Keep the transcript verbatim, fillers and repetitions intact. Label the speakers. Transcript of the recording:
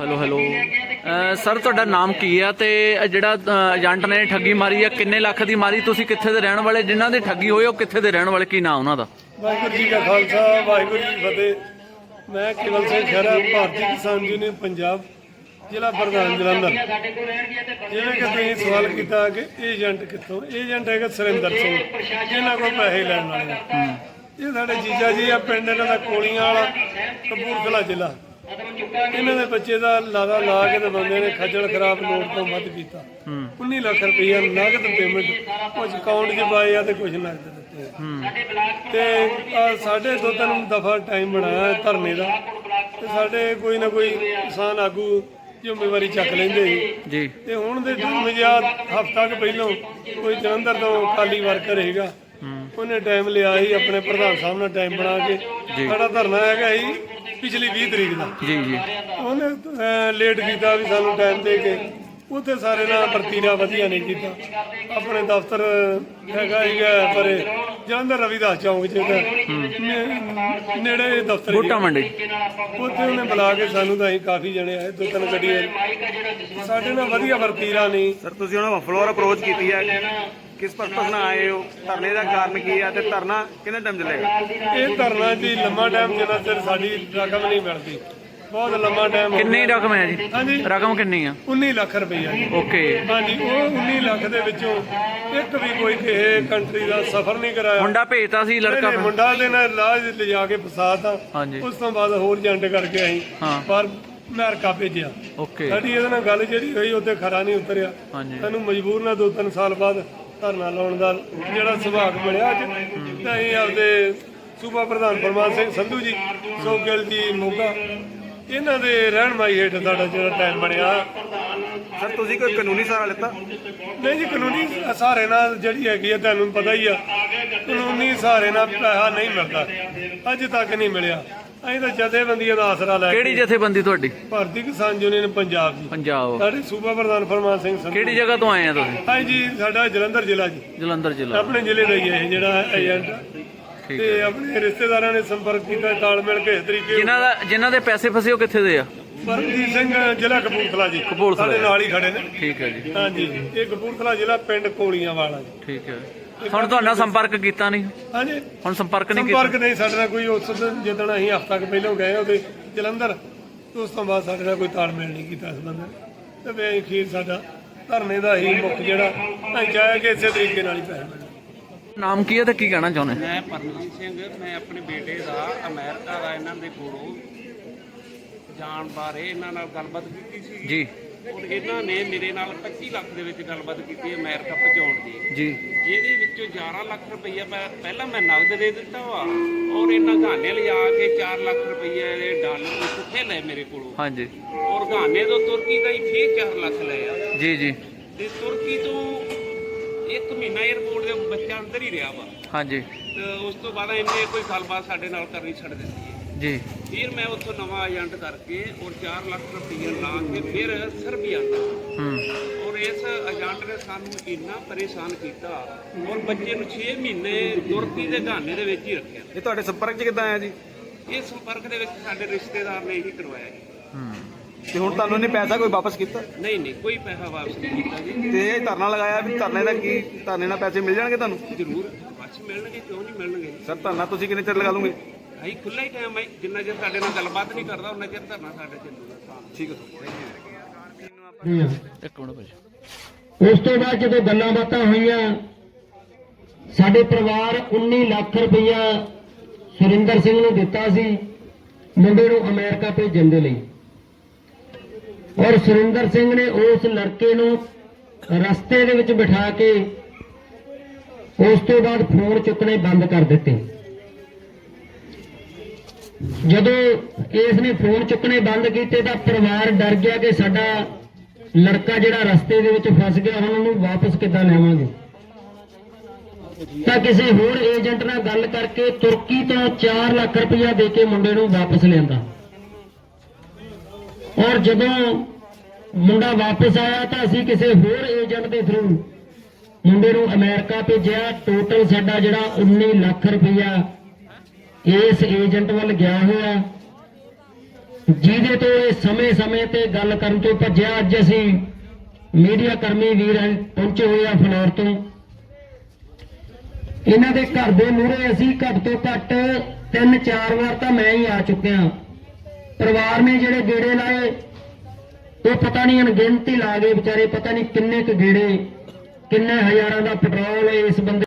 Speaker 1: Hello hello sir, ਤੁਹਾਡਾ ਨਾਮ ਕੀ ਆ ਤੇ ਜਿਹੜਾ ਏਜੰਟ ਨੇ ਠੱਗੀ ਮਾਰੀ ਆ ਕਿੰਨੇ ਲੱਖ ਦੀ ਮਾਰੀ? ਤੁਸੀਂ ਕਿੱਥੇ ਦੇ ਰਹਿਣ ਵਾਲੇ? ਜਿਨ੍ਹਾਂ ਦੀ ਠੱਗੀ ਹੋਈ ਉਹ ਕਿੱਥੇ ਦੇ ਰਹਿਣ ਵਾਲੇ? ਕੀ ਨਾਂ ਉਹਨਾਂ ਦਾ?
Speaker 2: ਵਾਹਿਗੁਰੂ ਜੀ ਕਾ ਖਾਲਸਾ, ਵਾਹਿਗੁਰੂ ਜੀ ਕੀ ਫਤਿਹ। ਮੈਂ ਕੇਵਲ ਸਿੰਘ ਖਹਿਰਾ, ਭਾਰਤੀ ਕਿਸਾਨ ਯੂਨੀਅਨ ਪੰਜਾਬ, ਜ਼ਿਲ੍ਹਾ ਪ੍ਰਧਾਨ ਜਲੰਧਰ। ਜਿਵੇਂ ਕਿ ਤੁਸੀਂ ਸਵਾਲ ਕੀਤਾ ਕਿ ਏਜੰਟ ਕਿੱਥੋਂ? ਏਜੰਟ ਹੈਗਾ ਸੁਰਿੰਦਰ ਸਿੰਘ, ਇਹਨਾਂ ਕੋਲ ਪੈਸੇ ਲੈਣ ਵਾਲੇ। ਇਹ ਸਾਡੇ ਜੀਜਾ ਜੀ ਆ, ਪਿੰਡ ਇਹਨਾਂ ਦਾ ਕੋਲੀਆਂ ਵਾਲਾ, ਕਪੂਰਥਲਾ ਜ਼ਿਲ੍ਹਾ। ਇਹਨਾਂ ਦੇ ਬੱਚੇ ਦਾ ਲਾਦਾ ਲਾ ਕੇ ਤੇ ਬੰਦੇ ਨੇ ਖੱਜਲ ਖਰਾਬ ਲੋੜ ਤੋਂ ਵੱਧ ਕੀਤਾ। ਉੱਨੀ ਲੱਖ ਰੁਪਈਆ ਨਗਦ ਪੇਮੈਂਟ, ਕੁਝ ਅਕਾਊਂਟ 'ਚ ਪਾਏ ਆ ਤੇ ਕੁਝ ਨਗਦ ਦਿੱਤੇ। ਤੇ ਸਾਡੇ ਦੋ ਤਿੰਨ ਦਫਾ ਟਾਈਮ ਬਣਾਇਆ ਧਰਨੇ ਦਾ, ਤੇ ਸਾਡੇ ਕੋਈ ਨਾ ਕੋਈ ਕਿਸਾਨ ਆਗੂ ਜ਼ਿੰਮੇਵਾਰੀ ਚੱਕ ਲੈਂਦੇ ਸੀ। ਤੇ ਹੁਣ ਦੇ ਮਜ਼ਾਦ ਹਫ਼ਤਾ ਕੁ ਪਹਿਲੋਂ ਕੋਈ ਜਲੰਧਰ ਤੋਂ ਖਾਲੀ ਵਰਕਰ ਹੈਗਾ, ਉਹਨੇ ਟਾਈਮ ਲਿਆ ਸੀ ਆਪਣੇ ਪ੍ਰਧਾਨ ਸਾਹਿਬ ਨਾਲ ਟਾਈਮ ਬਣਾ ਕੇ। ਸਾਡਾ ਧਰਨਾ ਹੈਗਾ ਸੀ ਪਿਛਲੀ ਵੀਹ ਤਰੀਕ ਦਾ। ਜੀ ਜੀ ਉਹਨੇ ਲੇਟ ਕੀਤਾ ਵੀ ਸਾਨੂੰ ਟਾਈਮ ਦੇ ਕੇ। ਉੱਥੇ ਸਾਰੇ ਨਾਲ ਵਰਤੀਰਾ ਵਧੀਆ ਨਹੀਂ ਕੀਤਾ। ਆਪਣੇ ਦਫ਼ਤਰ ਹੈਗਾ ਸੀਗਾ ਪਰ ਜਲੰਧਰ ਰਵੀਦਾਸ ਚੌਂਕ 'ਚ ਨੇੜੇ ਦਫ਼ਤਰ
Speaker 1: ਬੂਟਾ ਮੰਡੀ,
Speaker 2: ਉੱਥੇ ਉਹਨੇ ਬੁਲਾ ਕੇ ਸਾਨੂੰ ਤਾਂ ਅਸੀਂ ਕਾਫੀ ਜਣੇ ਆਏ, ਦੋ ਤਿੰਨ ਗੱਡੀਆਂ। ਸਾਡੇ ਨਾਲ ਵਧੀਆ ਵਰਤੀਰਾ ਨਹੀਂ।
Speaker 3: ਸਰ, ਤੁਸੀਂ ਉਹਨਾਂ ਨੂੰ ਫਲੋਰ ਅਪਰੋਚ ਕੀਤੀ ਹੈ, ਕਿਸ ਪਰਪਸ ਨਾਲ ਆਏ ਹੋ? ਧਰਨੇ ਦਾ ਕਾਰਨ ਕੀ ਹੈ ਤੇ ਧਰਨਾ ਕਿੰਨੇ ਟਾਈਮ ਚੱਲੇਗਾ?
Speaker 2: ਇਹ ਧਰਨਾ ਜੀ ਲੰਮਾ ਟਾਈਮ ਜਿੰਨਾ ਚਿਰ ਸਾਡੀ ਰਕਮ ਨਹੀਂ ਮਿਲਦੀ, ਬਹੁਤ ਲੰਮਾ ਟਾਈਮ।
Speaker 1: ਕਿੰਨੀ ਰਕਮ ਹੈ ਜੀ?
Speaker 2: ਹਾਂਜੀ,
Speaker 1: ਰਕਮ ਕਿੰਨੀ ਆ?
Speaker 2: ਉੱਨੀ ਲੱਖ ਰੁਪਈਆ ਜੀ।
Speaker 1: ਓਕੇ। ਹਾਂਜੀ,
Speaker 2: ਉਹ ਉੱਨੀ ਲੱਖ ਦੇ ਵਿੱਚੋਂ ਇੱਕ ਵੀ ਕੋਈ ਕਿਸੇ ਕੰਟਰੀ ਦਾ ਸਫ਼ਰ ਨਹੀਂ ਕਰਾਇਆ।
Speaker 1: ਮੁੰਡਾ ਭੇਜਤਾ ਸੀ ਲੜਕਾ?
Speaker 2: ਮੁੰਡਾ ਦੇ ਨਾਲ ਲਾਜ ਲਿਜਾ ਕੇ ਫਸਾਤਾ। ਉਸ ਤੋਂ ਬਾਅਦ ਹੋਰ ਏਜੰਟ ਕਰਕੇ ਅਸੀਂ ਪਰ ਅਮਰੀਕਾ ਭੇਜਿਆ। ਓਕੇ। ਸਾਡੀ ਇਹਦੇ ਨਾਲ ਗੱਲ ਜਿਹੜੀ ਹੋਈ ਉੱਥੇ ਖਰਾ ਨਹੀਂ ਉਤਰਿਆ। ਸਾਨੂੰ ਮਜਬੂਰ ਨਾਲ ਦੋ ਤਿੰਨ ਸਾਲ ਬਾਅਦ ਧਰਨਾ ਲਾਉਣ ਦਾ ਜਿਹੜਾ ਸੁਭਾਗ ਮਿਲਿਆ ਅੱਜ। ਤਾਂ ਅਸੀਂ ਆਪਦੇ ਸੂਬਾ ਪ੍ਰਧਾਨ ਪਰਮਾਨ ਸਿੰਘ ਸੰਧੂ ਜੀ, ਸੋਗਲ ਜੀ ਮੋਗਾ, ਇਹਨਾਂ ਦੇ ਰਹਿਨਮਾਈ ਹੇਠ ਸਾਡਾ ਜਿਹੜਾ ਟਾਈਮ ਬਣਿਆ।
Speaker 3: ਸਰ, ਤੁਸੀਂ ਕੋਈ ਕਾਨੂੰਨੀ ਸਹਾਰਾ ਲਿੱਤਾ?
Speaker 2: ਨਹੀਂ ਜੀ, ਕਾਨੂੰਨੀ ਸਹਾਰੇ ਨਾਲ ਜਿਹੜੀ ਹੈਗੀ ਆ ਤੁਹਾਨੂੰ ਪਤਾ ਹੀ ਆ, ਕਾਨੂੰਨੀ ਸਹਾਰੇ ਨਾਲ ਪੈਸਾ ਨਹੀਂ ਮਿਲਦਾ, ਅੱਜ ਤੱਕ ਨਹੀਂ ਮਿਲਿਆ। ਅਸੀਂ ਤਾਂ ਜਥੇਬੰਦੀਆਂ ਦਾ ਆਸਰਾ ਲੈ।
Speaker 1: ਕਿਹੜੀ ਜਥੇਬੰਦੀ ਤੁਹਾਡੀ? ਭਾਰਤੀ
Speaker 2: ਕਿਸਾਨ ਯੂਨੀਅਨ ਪੰਜਾਬ ਜੀ।
Speaker 1: ਪੰਜਾਬ।
Speaker 2: ਸਾਡੇ ਸੂਬਾ ਪ੍ਰਧਾਨ ਫਰਮਾਨ ਸਿੰਘ ਸੰਧੂ।
Speaker 1: ਕਿਹੜੀ ਜਗ੍ਹਾ ਤੋਂ ਆਏ ਆ ਤੁਸੀਂ?
Speaker 2: ਹਾਂਜੀ, ਸਾਡਾ ਜਲੰਧਰ ਜ਼ਿਲ੍ਹਾ ਜੀ।
Speaker 1: ਜਲੰਧਰ ਜ਼ਿਲ੍ਹਾ, ਆਪਣੇ
Speaker 2: ਜ਼ਿਲ੍ਹੇ ਦਾ ਹੀ ਹੈ ਜਿਹੜਾ ਏਜੰਟ। ਤੇ ਆਪਣੇ ਰਿਸ਼ਤੇਦਾਰਾਂ ਨੇ ਸੰਪਰਕ ਕੀਤਾ, ਤਾਲਮੇਲ ਕਿਸ ਤਰੀਕੇ।
Speaker 1: ਜਿਨ੍ਹਾਂ ਦਾ ਜਿਨ੍ਹਾਂ ਦੇ ਪੈਸੇ ਫਸੇ ਉਹ ਕਿੱਥੇ ਦੇ ਆ?
Speaker 2: ਪਰਮਜੀਤ ਸਿੰਘ, ਜ਼ਿਲ੍ਹਾ ਕਪੂਰਥਲਾ ਜੀ।
Speaker 1: ਕਪੂਰਥਲਾ
Speaker 2: ਸਾਡੇ ਨਾਲ ਹੀ ਖੜੇ ਨੇ।
Speaker 1: ਠੀਕ ਹੈ ਜੀ।
Speaker 2: ਹਾਂਜੀ, ਇਹ ਕਪੂਰਥਲਾ ਜ਼ਿਲ੍ਹਾ, ਪਿੰਡ ਕੋਲੀਆਂ ਵਾਲਾ ਜੀ। ਠੀਕ ਹੈ।
Speaker 1: ਹੁਣ ਤੁਹਾਡਾ ਸੰਪਰਕ ਕੀਤਾ ਨਹੀਂ?
Speaker 2: ਹਾਂਜੀ,
Speaker 1: ਹੁਣ ਸੰਪਰਕ ਨਹੀਂ ਕੀਤਾ?
Speaker 2: ਸੰਪਰਕ ਨਹੀਂ ਸਾਡੇ ਨਾਲ ਕੋਈ। ਉਸ ਦਿਨ ਜਿੱਦਣ ਅਸੀਂ ਹਫ਼ਤਾ ਕੁ ਪਹਿਲਾਂ ਗਏ ਉਹਦੇ ਜਲੰਧਰ, ਉਸ ਤੋਂ ਬਾਅਦ ਸਾਡੇ ਨਾਲ ਕੋਈ ਤਾਲਮੇਲ ਨਹੀਂ ਕੀਤਾ ਇਸ ਬੰਦੇ ਨੇ। ਤੇ ਵੇ ਅਖੀਰ ਸਾਡਾ ਧਰਨੇ ਦਾ ਹੀ ਮੁੱਖ ਜਿਹੜਾ ਅਸੀਂ ਚਾਹਿਆ ਕਿ ਇਸੇ ਤਰੀਕੇ ਨਾਲ ਹੀ ਪੈਸੇ ਮਿਲਣ।
Speaker 1: ਨਾਮ ਕੀ ਹੈ ਤੇ ਕੀ ਕਹਿਣਾ ਚਾਹੁੰਦੇ?
Speaker 4: ਮੈਂ ਪਰਮਜੀਤ ਸਿੰਘ, ਮੈਂ ਆਪਣੇ ਬੇਟੇ ਦਾ ਅਮਰੀਕਾ ਦਾ ਇਹਨਾਂ ਦੇ ਕੋਲੋਂ ਜਾਣ ਬਾਰੇ ਇਹਨਾਂ ਨਾਲ ਗੱਲਬਾਤ ਕੀਤੀ ਸੀ ਜੀ। ਔਰ ਇਹਨਾਂ ਨੇ ਮੇਰੇ ਨਾਲ ਪੱਚੀ ਲੱਖ ਦੇ ਵਿੱਚ ਗੱਲਬਾਤ ਕੀਤੀ ਅਮਰੀਕਾ ਪਹੁੰਚਾਉਣ ਦੀ ਜੀ, ਜਿਹਦੇ ਵਿੱਚੋਂ ਗਿਆਰਾਂ ਲੱਖ ਰੁਪਈਆ ਮੈਂ ਪਹਿਲਾਂ ਮੈਂ ਨਗਦ ਦੇ ਦਿੱਤਾ ਵਾ, ਔਰ ਇਹਨਾਂ ਗਾਨੇ ਲਿਆ ਕੇ ਚਾਰ ਲੱਖ ਰੁਪਈਆ ਦੇ ਡਾਲਰ ਪੁੱਠੇ ਲਏ ਮੇਰੇ ਕੋਲੋਂ। ਹਾਂਜੀ। ਔਰ ਗਾਨੇ ਤੋਂ ਤੁਰਕੀ ਦਾ ਹੀ ਫੇਰ ਚਾਰ ਲੱਖ ਲਏ ਆ ਜੀ ਜੀ। ਤੇ ਤੁਰਕੀ ਤੋਂ ਇੱਕ ਮਹੀਨਾ ਏਅਰਪੋਰਟ ਦੇ ਬੱਚਾ ਅੰਦਰ ਹੀ ਰਿਹਾ ਵਾ। ਹਾਂਜੀ। ਤੇ ਉਸ ਤੋਂ ਬਾਅਦ ਇਹਨੇ ਕੋਈ ਗੱਲਬਾਤ ਸਾਡੇ ਨਾਲ ਕਰਨੀ ਛੱਡ ਦਿੱਤੀ ਹੈ ਜੀ। ਫਿਰ ਮੈਂ ਉੱਥੋਂ ਨਵਾਂ ਏਜੰਟ ਕਰਕੇ ਔਰ ਚਾਰ ਲੱਖ ਰੁਪਈਆ ਲਾ ਕੇ ਫਿਰ ਸਰਬੀਆ ਦਾ। ਔਰ ਇਸ ਏਜੰਟ ਨੇ ਸਾਨੂੰ ਇੰਨਾ ਪਰੇਸ਼ਾਨ ਕੀਤਾ ਔਰ ਬੱਚੇ ਨੂੰ ਛੇ ਮਹੀਨੇ ਤੁਰਕੀ ਦੇ ਗਾਨੇ ਦੇ ਵਿੱਚ ਹੀ ਰੱਖਿਆ।
Speaker 3: ਇਹ ਤੁਹਾਡੇ ਸੰਪਰਕ 'ਚ ਕਿੱਦਾਂ ਆਇਆ ਜੀ?
Speaker 4: ਇਹ ਸੰਪਰਕ ਦੇ ਵਿੱਚ ਸਾਡੇ ਰਿਸ਼ਤੇਦਾਰ ਨੇ ਹੀ ਕਰਵਾਇਆ ਜੀ।
Speaker 3: ਤੇ ਹੁਣ ਤੁਹਾਨੂੰ ਇਹਨੇ ਪੈਸਾ ਕੋਈ ਵਾਪਸ ਕੀਤਾ?
Speaker 4: ਨਹੀਂ ਨਹੀਂ, ਕੋਈ ਪੈਸਾ ਵਾਪਸ ਨਹੀਂ ਕੀਤਾ ਜੀ।
Speaker 3: ਤੇ ਇਹ ਧਰਨਾ ਲਗਾਇਆ ਵੀ ਧਰਨੇ ਦਾ ਕੀ, ਧਰਨੇ ਨਾਲ ਪੈਸੇ ਮਿਲ ਜਾਣਗੇ ਤੁਹਾਨੂੰ?
Speaker 4: ਜ਼ਰੂਰ ਵਾਪਸ ਮਿਲਣਗੇ, ਕਿਉਂ ਨਹੀਂ ਮਿਲਣਗੇ ਸਰ।
Speaker 3: ਧਰਨਾ ਤੁਸੀਂ ਕਿੰਨੇ ਚਿਰ ਲਗਾ ਲਓਗੇ?
Speaker 4: ਅਸੀਂ ਖੁੱਲ੍ਹਾ ਹੀ ਟਾਈਮ ਹੈ, ਜਿੰਨਾ ਚਿਰ ਸਾਡੇ ਨਾਲ ਗੱਲਬਾਤ ਨਹੀਂ ਕਰਦਾ ਉਹਨਾਂ ਚਿਰ ਧਰਨਾ ਸਾਡੇ ਚੱਲੂਗਾ।
Speaker 3: ਠੀਕ ਹੈ
Speaker 1: ਸਰ। ਇੱਕ ਮਿੰਟ ਭਾਜੀ।
Speaker 5: ਉਸ ਤੋਂ ਬਾਅਦ ਜਦੋਂ ਗੱਲਾਂ ਬਾਤਾਂ ਹੋਈਆਂ, ਸਾਡੇ ਪਰਿਵਾਰ ਉੱਨੀ ਲੱਖ ਰੁਪਈਆ ਸੁਰਿੰਦਰ ਸਿੰਘ ਨੂੰ ਦਿੱਤਾ ਸੀ ਮੁੰਡੇ ਨੂੰ ਅਮਰੀਕਾ ਭੇਜਣ ਦੇ ਲਈ। ਔਰ ਸੁਰਿੰਦਰ ਸਿੰਘ ਨੇ ਉਸ ਲੜਕੇ ਨੂੰ ਰਸਤੇ ਦੇ ਵਿੱਚ ਬਿਠਾ ਕੇ ਉਸ ਤੋਂ ਬਾਅਦ ਫੋਨ ਚੁੱਕਣੇ ਬੰਦ ਕਰ ਦਿੱਤੇ। ਜਦੋਂ ਇਸ ਨੇ ਫੋਨ ਚੁੱਕਣੇ ਬੰਦ ਕੀਤੇ ਤਾਂ ਪਰਿਵਾਰ ਡਰ ਗਿਆ ਕਿ ਸਾਡਾ ਲੜਕਾ ਜਿਹੜਾ ਰਸਤੇ ਦੇ ਵਿੱਚ ਫਸ ਗਿਆ, ਹੁਣ ਉਹਨੂੰ ਵਾਪਸ ਕਿੱਦਾਂ ਲਿਆਵਾਂਗੇ। ਤਾਂ ਕਿਸੇ ਹੋਰ ਏਜੰਟ ਨਾਲ ਗੱਲ ਕਰਕੇ ਤੁਰਕੀ ਤੋਂ ਚਾਰ ਲੱਖ ਰੁਪਇਆ ਦੇ ਕੇ ਮੁੰਡੇ ਨੂੰ ਵਾਪਸ ਲਿਆਂਦਾ। ਔਰ ਜਦੋਂ ਮੁੰਡਾ ਵਾਪਸ ਆਇਆ ਤਾਂ ਅਸੀਂ ਕਿਸੇ ਹੋਰ ਏਜੰਟ ਦੇ ਥਰੂ ਮੁੰਡੇ ਨੂੰ ਅਮਰੀਕਾ ਭੇਜਿਆ। ਟੋਟਲ ਸਾਡਾ ਜਿਹੜਾ ਉੱਨੀ ਲੱਖ ਰੁਪਇਆ ਇਸ ਏਜੰਟ ਵੱਲ ਗਿਆ ਹੋਇਆ। ਜਿਹਦੇ ਤੋਂ ਇਹ ਸਮੇਂ-ਸਮੇਂ ਤੇ ਗੱਲ ਕਰਨ ਤੋਂ ਭੱਜਿਆ। ਅੱਜ ਅਸੀਂ ਮੀਡੀਆ ਕਰਮੀ ਵੀਰ ਪਹੁੰਚੇ ਹੋਏ ਆ ਫਲੋਰ ਤੋਂ। ਇਹਨਾਂ ਦੇ ਘਰ ਦੇ ਮੂਹਰੇ ਅਸੀਂ ਘੱਟ ਤੋਂ ਘੱਟ ਤਿੰਨ ਚਾਰ ਵਾਰ ਤਾਂ ਮੈਂ ਹੀ ਆ ਚੁੱਕਿਆ। ਪਰਿਵਾਰ ਨੇ ਜਿਹੜੇ ਗੇੜੇ ਲਾਏ ਉਹ ਪਤਾ ਨਹੀਂ ਅਣਗਿਣਤੀ ਲਾ ਗਏ ਵਿਚਾਰੇ, ਪਤਾ ਨਹੀਂ ਕਿੰਨੇ ਕੁ ਗੇੜੇ, ਕਿੰਨੇ ਹਜ਼ਾਰਾਂ ਦਾ ਪੈਟਰੋਲ ਇਸ ਬੰਦੇ